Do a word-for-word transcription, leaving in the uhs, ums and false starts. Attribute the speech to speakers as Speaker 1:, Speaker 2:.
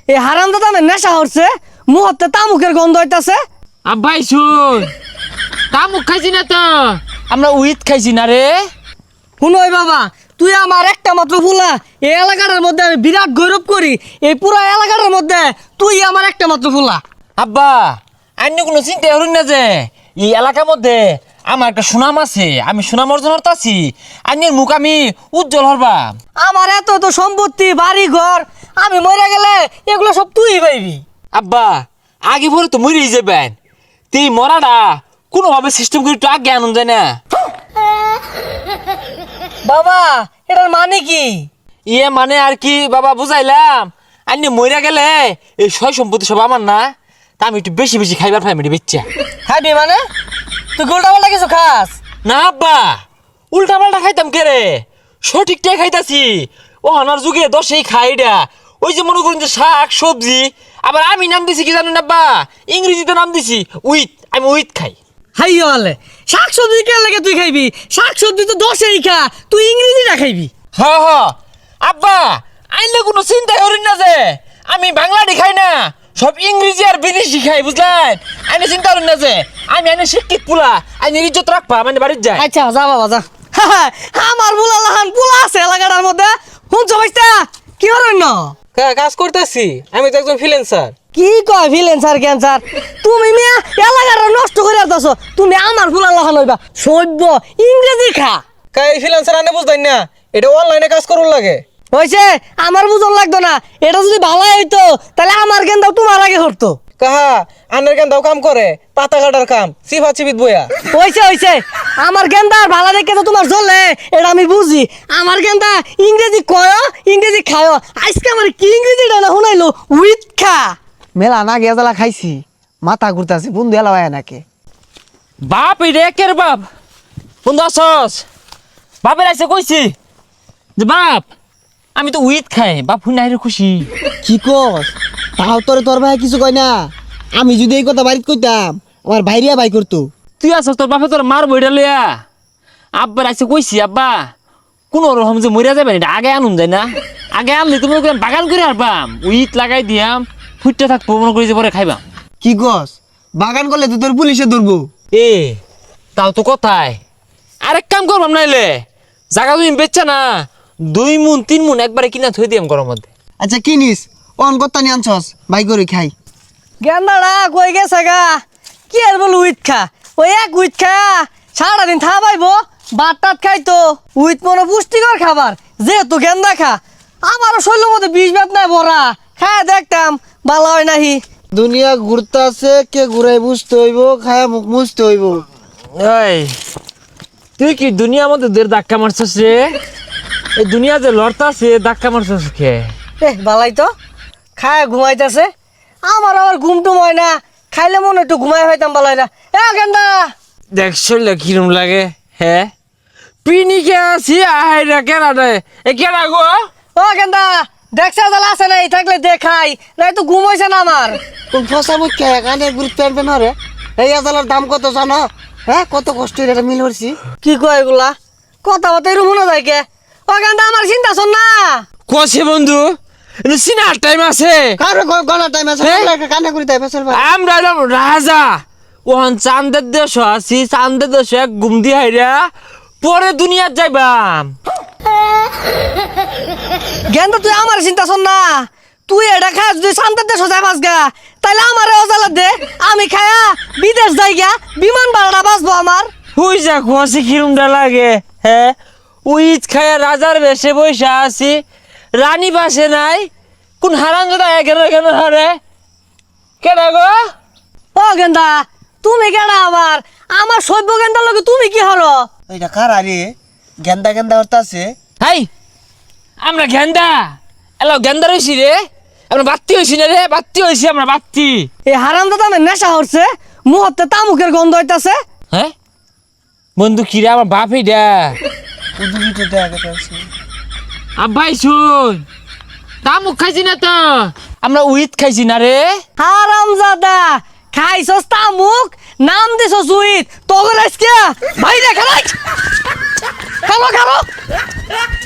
Speaker 1: এই হারামজাদা আমার নেশা হচ্ছে, মুহূর্তে তামুকের গন্ধ হইতাছে।
Speaker 2: আব্বাই শুন, তামুক খাইছি না তো, আমরা উইথ খাইছি না রে।
Speaker 1: শুনই বাবা, তুই আমার একটা মাত্র ফুলা, এই এলাকাটার মধ্যে আমি বিরাট গৌরব করি। এই পুরো এলাকাটার মধ্যে তুই আমার একটা মাত্র ফুলা।
Speaker 2: আব্বা অন্য কোনো চিন্তা করুন না যে এই এলাকার মধ্যে আমার একটা সুনাম আছে, আমি সুনাম অর্জন করতেছি। আন্যের মুখ আমি উজ্জ্বল হরবাম।
Speaker 1: আমার এত তো সম্পত্তি, বাড়ি ঘর, আমি মরে গেলে এগুলো সব তুই পাইবি।
Speaker 2: আব্বা আগে পরে তো মরেই যাবেন, তুই মরাটা কোনোভাবে সিস্টেম করে একটু আগে আনন্দ যায় না।
Speaker 1: বাবা এটার মানে কি?
Speaker 2: ইয়ে মানে আর কি বাবা বুঝাইলাম, আন্যে মরে গেলে এই সয় সম্পত্তি সব আমার না, তা আমি একটু বেশি বেশি খাইবার ফ্যামিলি বেচ্চা।
Speaker 1: খাবি মানে? তুই গোলটা পাল্টা কিছু খাস
Speaker 2: না আব্বা, উল্টা পাল্টা খাইতাম কে রে, সঠিকটাই খাইতাছি। ও আনার যুগে দশেই খাইডা, ওই যে মনে করুন যে শাক সবজি, আবার আমি নাম দিছি কি জানেন আব্বা, ইংরেজিতে নাম দিছি উইথ, আমি উইথ খাই।
Speaker 1: হাই হলে শাক সবজি কে লাগে তুই খাইবি? শাক সবজি তো দশেই খা, তুই ইংরেজিটা খাইবি।
Speaker 2: হ হ আব্বা, আইলে কোনো চিন্তা করেন না যে আমি বাংলাটি খাই না, সব ইংরেজি আর বিদেশি খাই, বুঝলেন? আইনে চিন্তা করেন না যে আমি আইনে শিক্ষিত পুলা, আইনে ইজ্জত রাখবা মানে বাড়ির যায়।
Speaker 1: আচ্ছা যা বাবা যা। আমার বুলা লাহান পুলা আছে এলাকাটার মধ্যে, শুনছ ভাইস্তা? কি করেন না?
Speaker 2: কাজ করতেছি, আমি তো একজন ফ্রিল্যান্সার।
Speaker 1: কি কয় ফ্রিল্যান্সার ক্যান্সার? তুমি মিয়া এলাকাটা নষ্ট করে আসছো, তুমি আমার ফুলা লাহান হইবা সভ্য ইংরেজি খা।
Speaker 2: কাই ফ্রিল্যান্সার আনে বুঝতেন না, এটা অনলাইনে কাজ করুন লাগে।
Speaker 1: হয়েছে, আমার বুঝন লাগতো না। এটা যদি ভালো হইতো তাহলে আমার গেন্দাও তোমার আগে হরতো।
Speaker 2: কাহা আনের কেন দাও কাম করে, পাতা কাটার কাম, সিফা চিবিত বইয়া।
Speaker 1: হয়েছে হয়েছে, আমার গেন্দা আর ভালো দেখে তো তোমার চলে, এটা আমি বুঝি। আমার গেন্দা ইংরেজি কয়, ইংরেজি খায়, আজকে আমার কি ইংরেজিটা না শুনাইলো, উইথ খা।
Speaker 3: মেলা না গেজালা খাইছি, মাথা ঘুরতাছে, বন্ধু এলা হয় নাকি?
Speaker 2: বাপ রে কের বাপ, বন্ধু আসস? বাপের আইসে কইছি যে বাপ আমি তো উইথ খাই, বাপ হুই নাই রে খুশি।
Speaker 3: কি কস? তাও তোরে তোর ভাই কিছু কয় না? আমি যদি এই কথা বাড়িতে কইতাম, আমার ভাইরিয়া ভাই করতো।
Speaker 2: তুই আসস, তোর বাপে তোর মার বইটা লইয়া। আব্বার আইসে কইছি আব্বা কোনো রকম যে মরিয়া যাবে এটা আগে আনুন যায় না, আগে আনলে তুমি বাগান করে আরবাম, উইথ লাগাই দিয়াম, ফুটতে থাকবো, মনে করি যে পরে খাইবাম।
Speaker 3: কি কস? বাগান করলে তো তোর পুলিশে ধরবো।
Speaker 2: এ তাও তো কথাই, আরেক কাম করবাম নাইলে জায়গা তুমি বেচছা না, দুই মুন তিন মুন একবারে কিনা থই দিয়াম গরম মধ্যে।
Speaker 3: আচ্ছা কিনিস, অন কত্তা নিয়ে আনছস, ভাই করে খাই।
Speaker 1: গেন্দাটা কই গেছে গা? কি আর বল উইথ খা, ওই এক উইথ খা সারাদিন থা পাইবো, ভাত টাত খাইতো। উইথ মনে পুষ্টিকর খাবার, যেহেতু গেন্দা খা। আমারও শৈলের মধ্যে বিষ ভাত নাই ভরা, খায় দেখতাম ভালো হয় নাহি।
Speaker 3: দুনিয়া ঘুরতাছে, কে ঘুরাই বুঝতে হইব, খায়া মুখ মুছতে হইব।
Speaker 2: এই তুই কি দুনিয়ার মধ্যে দের ধাক্কা মারছস রে? এই দুনিয়া যে লড়তাছে ধাক্কা মারছস কে?
Speaker 1: এ ভালাই তো, খায় ঘুমাইতেছে। আমার আবার ঘুম টুম হয় না, খাইলে মনে একটু ঘুমাই হইতাম ভালাই না। এ গেন্দা
Speaker 2: দেখ শরীরে কিরম লাগে, হ্যাঁ পিনিকে আছি আহাইরা কেনা দেয় এ কেনা গো?
Speaker 1: ও গেন্দা দেখছে জ্বালা আছে নাই, থাকলে দেখাই নাই তো ঘুম হয়েছে না আমার।
Speaker 3: কোন ফসা মুখ খেয়ে কানে গুরুত্ব আনবে না রে? এই আদালার দাম কত জানো? হ্যাঁ, কত কষ্ট এটা মিল করছি।
Speaker 1: কি কয় এগুলা কথা বলতে এরকম মনে যায় কে? ও গেন্দা আমার চিন্তা শোন না।
Speaker 2: কষে বন্ধু সিনার টাইম আছে,
Speaker 3: কারো গলা টাইম আছে, কানে করি তাই ফসল ভাই।
Speaker 2: আমরা এলাম রাজা, ওখান চান্দের দেশ আছি, চান্দের দেশে ঘুম দি হাইরা পরে দুনিয়ার যাইবাম।
Speaker 1: গেন্দা তুই আমার চিন্তা শোন না, তুই এটা খা যদি শান্তার দেশ যায় বাস গা, তাহলে আমার অজালা দে, আমি খায়া বিদেশ যাই গা, বিমান ভাড়াটা বাঁচবো আমার।
Speaker 2: হুই যা কষে কিরমটা লাগে, হ্যাঁ উইচ খায়া রাজার বেশে বৈশা আছি, রানী বাসে নাই, কোন হারান দাদা কেন কেন হারে কেন গো?
Speaker 1: ও গেন্দা তুমি কেডা আবার? আমার সভ্য গেন্দার লগে তুমি কি হলো?
Speaker 3: এটা কারা রে? গেন্দা গেন্দা হরতাছে।
Speaker 2: হাই আমরা গেন্দা এলো গেন্দা রইছি রে, আমরা বাত্তি হইছি না রে, বাত্তি হইছি আমরা বাত্তি।
Speaker 1: এই হারাম দাদা আমার নেশা হচ্ছে, মুহূর্তে তামুকের গন্ধ হইতাছে।
Speaker 2: হ্যাঁ বন্ধু কিরা আমার বাপ এইটা।
Speaker 3: উদুবিতে দেখা যাচ্ছে।
Speaker 2: আব্বাই শুন, তামুক খাইছি না তো, আমরা উইথ খাইছি না রে।
Speaker 1: হারাম জাদা খাইছস তামুক, নাম দিছস উইথ, তখন আজকে ভাই রে খালাই খালো খালো।